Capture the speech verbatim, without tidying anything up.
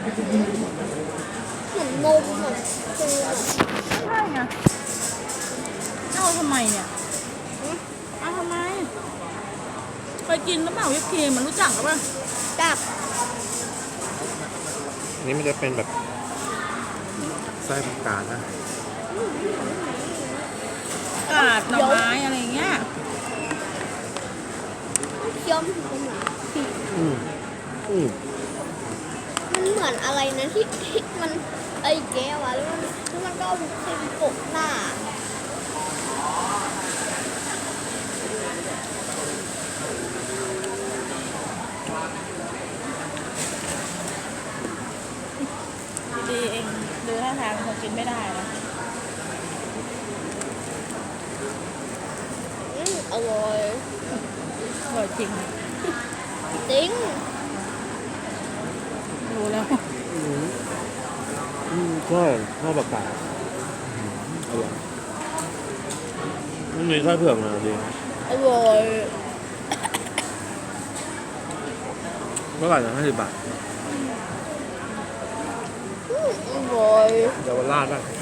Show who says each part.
Speaker 1: เหมือนนมเหมือนครีมอะ
Speaker 2: ใช่ไงเอาทำไมเนี่ยเอาทำไมเคยกินหรือเปล่าวิปครีมมันรู้จักหรือเปล่า
Speaker 1: จับ
Speaker 3: อันนี้มันจะเป็นแบบไส้ผักกาดนะ
Speaker 2: กาดหน่อไม้อะไรเงี้ย
Speaker 1: เคี้ยวมันถึงเป็นเหมือนครีม
Speaker 3: อืมอืม
Speaker 1: มันเหมือนอะไรนะที่ที่มันไอ้แก้วอะแล้วมันแล้วมันก็เอาครีมโปะหน้า
Speaker 2: ดีๆเองดูท่าทางคงกินไม่ได้นะ
Speaker 1: อืมอร่อย
Speaker 2: อร่อยจริง
Speaker 1: จริง
Speaker 2: รู้แล้ว
Speaker 3: อืมอืมใช่ข้าวผักกาดอืมอร่อยมันมีไส้เผือกนะดี
Speaker 1: อร่อย
Speaker 3: เท่าไหร่นะห้าสิบบาท
Speaker 1: อืมอร่อย
Speaker 3: เยาวราชป่ะ